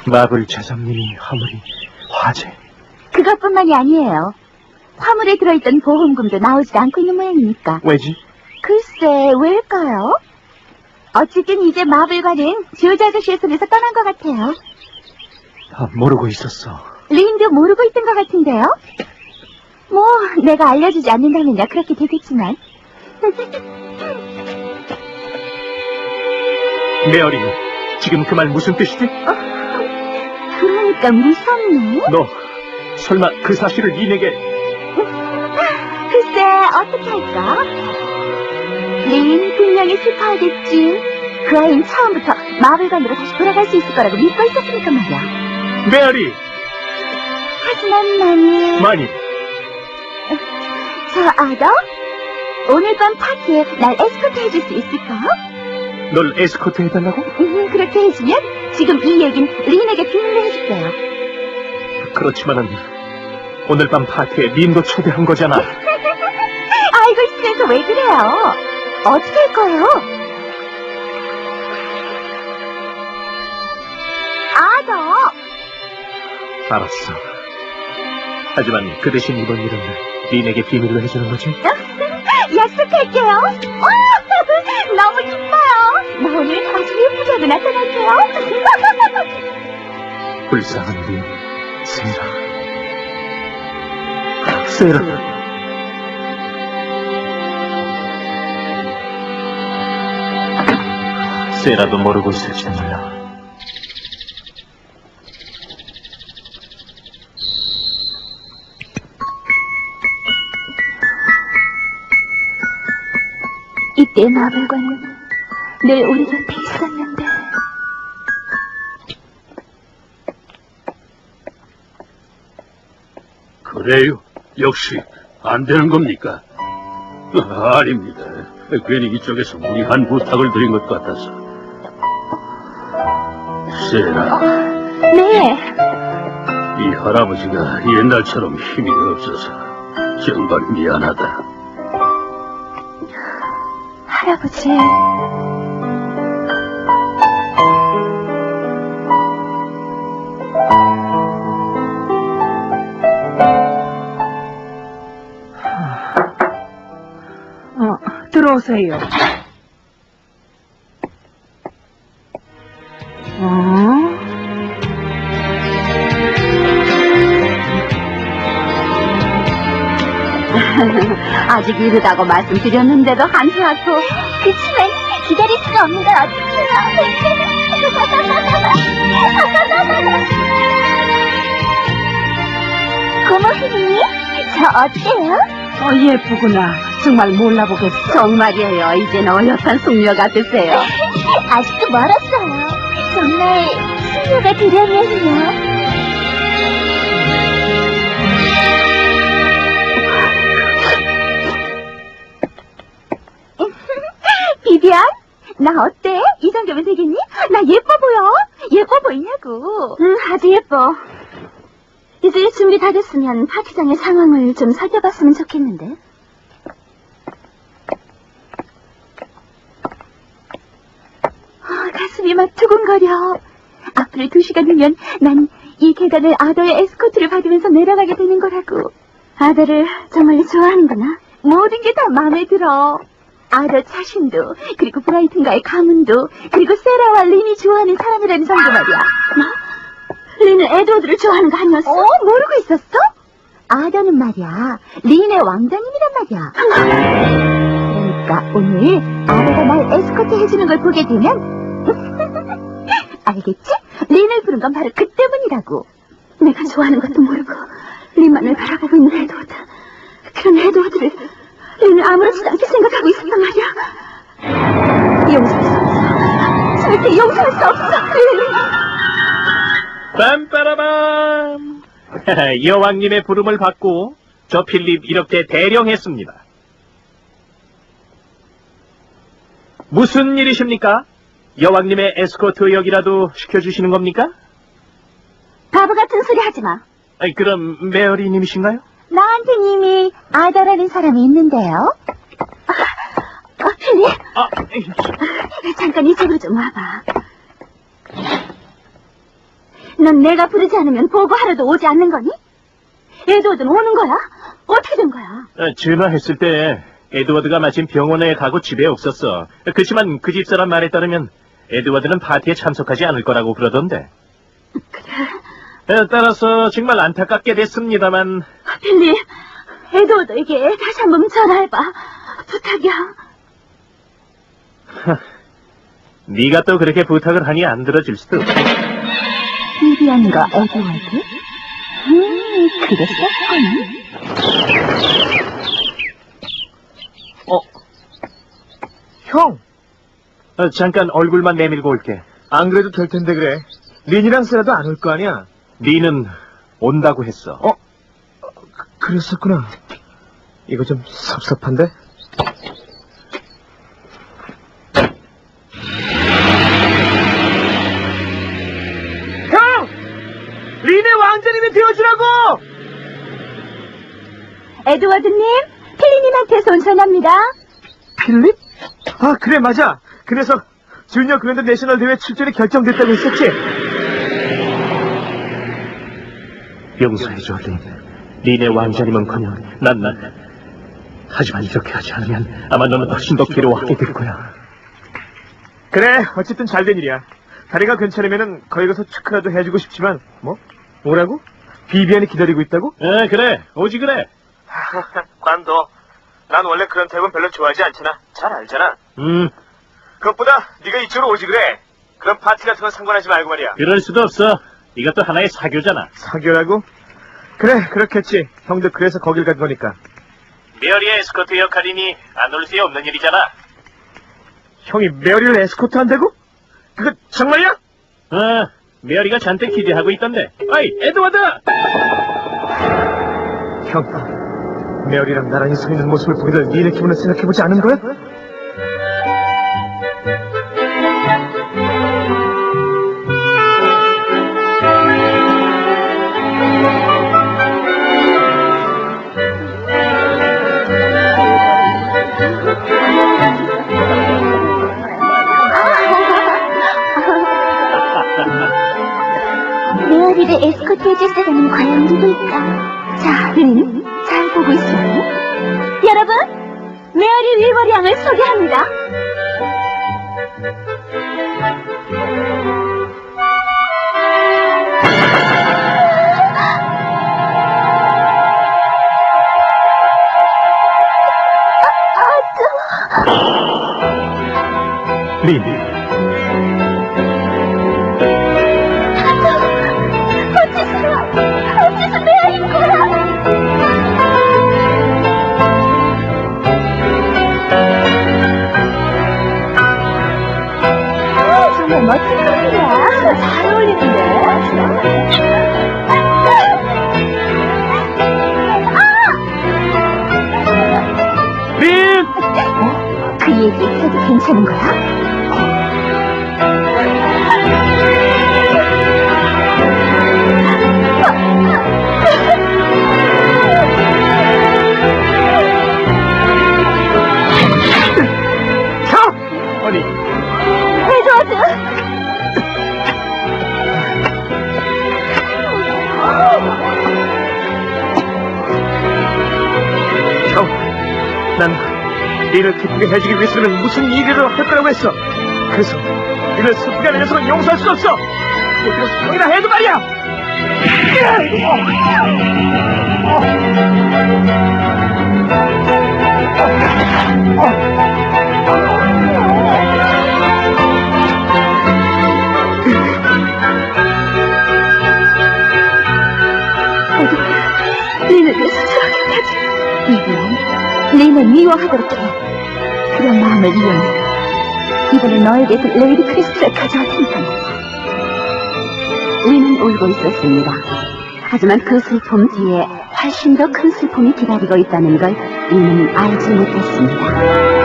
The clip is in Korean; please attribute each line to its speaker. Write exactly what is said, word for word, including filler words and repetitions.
Speaker 1: 마블 제작님이 화물이 화재.
Speaker 2: 그것뿐만이 아니에요. 화물에 들어있던 보험금도 나오지도 않고 있는 모양이니까.
Speaker 1: 왜지?
Speaker 2: 글쎄, 왜일까요? 어쨌든 이제 마블과는 조지 아저씨의 손에서 떠난 것 같아요.
Speaker 1: 아, 모르고 있었어.
Speaker 2: 린도 모르고 있던 것 같은데요? 뭐, 내가 알려주지 않는다면야 그렇게 되겠지만.
Speaker 1: 메어리, 지금 그 말 무슨 뜻이지?
Speaker 2: 어, 그러니까 무섭네.
Speaker 1: 너 설마 그 사실을 린에게...
Speaker 2: 글쎄, 어떻게 할까? 린 분명히 슬퍼하겠지. 그 아이는 처음부터 마블관으로 다시 돌아갈 수 있을 거라고 믿고 있었으니까 말이야.
Speaker 1: 메어리!
Speaker 2: 하지만 나는...
Speaker 1: 많이.
Speaker 2: 저 아더? 오늘 밤 파티에 날 에스코트 해줄 수 있을까?
Speaker 1: 널 에스코트 해달라고?
Speaker 2: 음, 그렇게 해주면 지금 이 얘긴 린에게 비밀로 해줄게요.
Speaker 1: 그렇지만은 오늘 밤 파티에 린도 초대한 거잖아.
Speaker 2: 알고 있으면서 왜 그래요? 어떻게 할 거예요? 아더!
Speaker 1: 알았어. 하지만 그 대신 이번 일은 린에게 비밀로 해주는 거지?
Speaker 2: 약속할게요. 와, 너무 기뻐요. 나 오늘 아주 예쁘게도 나타날게요.
Speaker 1: 불쌍한 린, 세라. 세라. 세라도 모르고 있을지도 몰라.
Speaker 2: 이때 마블관은 늘 우리 곁에 있었는데.
Speaker 3: 그래요? 역시 안 되는 겁니까? 아, 아닙니다. 괜히 이쪽에서 무리한 부탁을 드린 것 같아서. 세라,
Speaker 2: 네.
Speaker 3: 이 할아버지가 옛날처럼 힘이 없어서 정말 미안하다.
Speaker 2: 할아버지.
Speaker 4: 어, 들어오세요. 어?
Speaker 2: 아직 이르다고 말씀드렸는데도 한수하고. 그치만 기다릴 수가 없는 걸 어떡해요. 고모님, 저 어때요?
Speaker 4: 어, 예쁘구나. 정말 몰라보겠어.
Speaker 2: 정말이에요. 이젠 어엿한 숙녀 같으세요. 아직도 멀었어요. 정말 숙녀가 되려면요. 비비안? 나 어때? 이 정도면 되겠니? 나 예뻐 보여? 예뻐 보이냐고. 응, 아주 예뻐. 이제 준비 다 됐으면 파티장의 상황을 좀 살펴봤으면 좋겠는데. 아, 가슴이 막 두근거려. 앞으로 두 시간 후면 난 이 계단을 아더의 에스코트를 받으면서 내려가게 되는 거라고. 아더를 정말 좋아하는구나. 모든 게 다 마음에 들어. 아더 자신도, 그리고 브라이튼과의 가문도, 그리고 세라와 린이 좋아하는 사람이라는 점도 말이야. 뭐? 린은 에드워드를 좋아하는 거 아니었어? 어, 모르고 있었어? 아더는 말이야, 린의 왕자님이란 말이야. 그러니까 오늘 아더가 날 에스코트 해주는 걸 보게 되면 알겠지? 린을 부른 건 바로 그 때문이라고. 내가 좋아하는 것도 모르고 린만을 바라보고 있는 에드워드. 그런 에드워드를 린을 아무렇지도 않게 생각하고 있었단 말이야. 용서할 수 없어. 절대 용서할 수 없어.
Speaker 1: 빰빠라밤. 여왕님의 부름을 받고 저 필립 이렇게 대령했습니다. 무슨 일이십니까? 여왕님의 에스코트 역이라도 시켜주시는 겁니까?
Speaker 2: 바보 같은 소리 하지 마.
Speaker 1: 아니, 그럼 메어리님이신가요?
Speaker 2: 나한텐 이미 아더라는 사람이 있는데요. 어, 필립.
Speaker 1: 아,
Speaker 2: 잠깐 이쪽으로 좀 와봐. 넌 내가 부르지 않으면 보고하러도 오지 않는 거니? 에드워드는 오는 거야? 어떻게 된 거야?
Speaker 1: 어, 전화했을 때 에드워드가 마침 병원에 가고 집에 없었어. 그렇지만 그 집사람 말에 따르면 에드워드는 파티에 참석하지 않을 거라고 그러던데.
Speaker 2: 그래?
Speaker 1: 에, 따라서 정말 안타깝게 됐습니다만.
Speaker 2: 빌리, 에드워드에게 다시 한번 전화해봐. 부탁이야.
Speaker 1: 네가 또 그렇게 부탁을 하니 안 들어줄 수도 없고.
Speaker 2: 비비안과 에드워드? 음, 그랬었군.
Speaker 1: 어?
Speaker 5: 형!
Speaker 1: 어, 잠깐 얼굴만 내밀고 올게.
Speaker 5: 안 그래도 될 텐데 그래. 린이랑 세라도 안 올 거 아니야?
Speaker 1: 니는 온다고 했어.
Speaker 5: 어? 그, 그랬었구나. 이거 좀 섭섭한데? 형! 린의 왕자님이 되어주라고!
Speaker 2: 에드워드님, 필리님한테서 온 전화입니다.
Speaker 5: 필립? 아, 그래, 맞아. 그래서 주니어 그랜드 내셔널 대회 출전이 결정됐다고 했었지?
Speaker 1: 용서해줘, 린. 린의 왕자님은커녕 난, 난. 하지만 이렇게 하지 않으면 아마 너는 훨씬 더 괴로워하게 될 거야.
Speaker 5: 그래, 어쨌든 잘된 일이야. 다리가 괜찮으면은 거기 가서 축하라도 해주고 싶지만, 뭐? 뭐라고? 비비안이 기다리고 있다고?
Speaker 1: 에, 그래. 오지 그래.
Speaker 5: 관도. 난 원래 그런 타입은 별로 좋아하지 않잖아. 잘 알잖아.
Speaker 1: 음,
Speaker 5: 그것보다 네가 이쪽으로 오지 그래. 그런 파티 같은 건 상관하지 말고 말이야.
Speaker 1: 그럴 수도 없어. 이것도 하나의 사교잖아.
Speaker 5: 사교라고? 그래, 그렇겠지. 형도 그래서 거길 간 거니까.
Speaker 1: 메어리의 에스코트 역할이니 안 올 수 없는 일이잖아.
Speaker 5: 형이 메어리를 에스코트 한다고? 그거 정말이야?
Speaker 1: 어, 메어리가 잔뜩 기대하고 있던데. 어이, 에드워드!
Speaker 5: 형, 메어리랑 나란히 서 있는 모습을 보게 될 니네 기분을 생각해보지 않은 거야?
Speaker 2: 메어리를 에스코트 해줄 사람은 과연 누구일까? 자, 린, 잘 보고 있어요. 여러분, 메어리 윌버리 양을 소개합니다.
Speaker 1: 린,
Speaker 2: 어째서, 어째서 메어리인 거야? 정말 멋진 분이야. 잘 어울리는데.
Speaker 5: 린!
Speaker 2: 그 얘기 해도 괜찮은 거야?
Speaker 5: 형! 아니,
Speaker 2: 에드워드!
Speaker 5: 형, 난 니를 기쁘게 해주기 위해서는 무슨 일이라도 할 거라고 했어. 그래서 니를 슬프게 하는 녀석은 용서할 수 없어. 이거 형이라 해도 말이야.
Speaker 2: 린을 위해서 저렇게까지. 이비안, 린을 미워하도록 해. 그런 마음을 이용해. 이번에 너에게 그 레이디 크리스트를 가져올 테니까 말이야. 린은 울고 있었습니다. 하지만 그 슬픔 뒤에 훨씬 더 큰 슬픔이 기다리고 있다는 걸 린은 알지 못했습니다.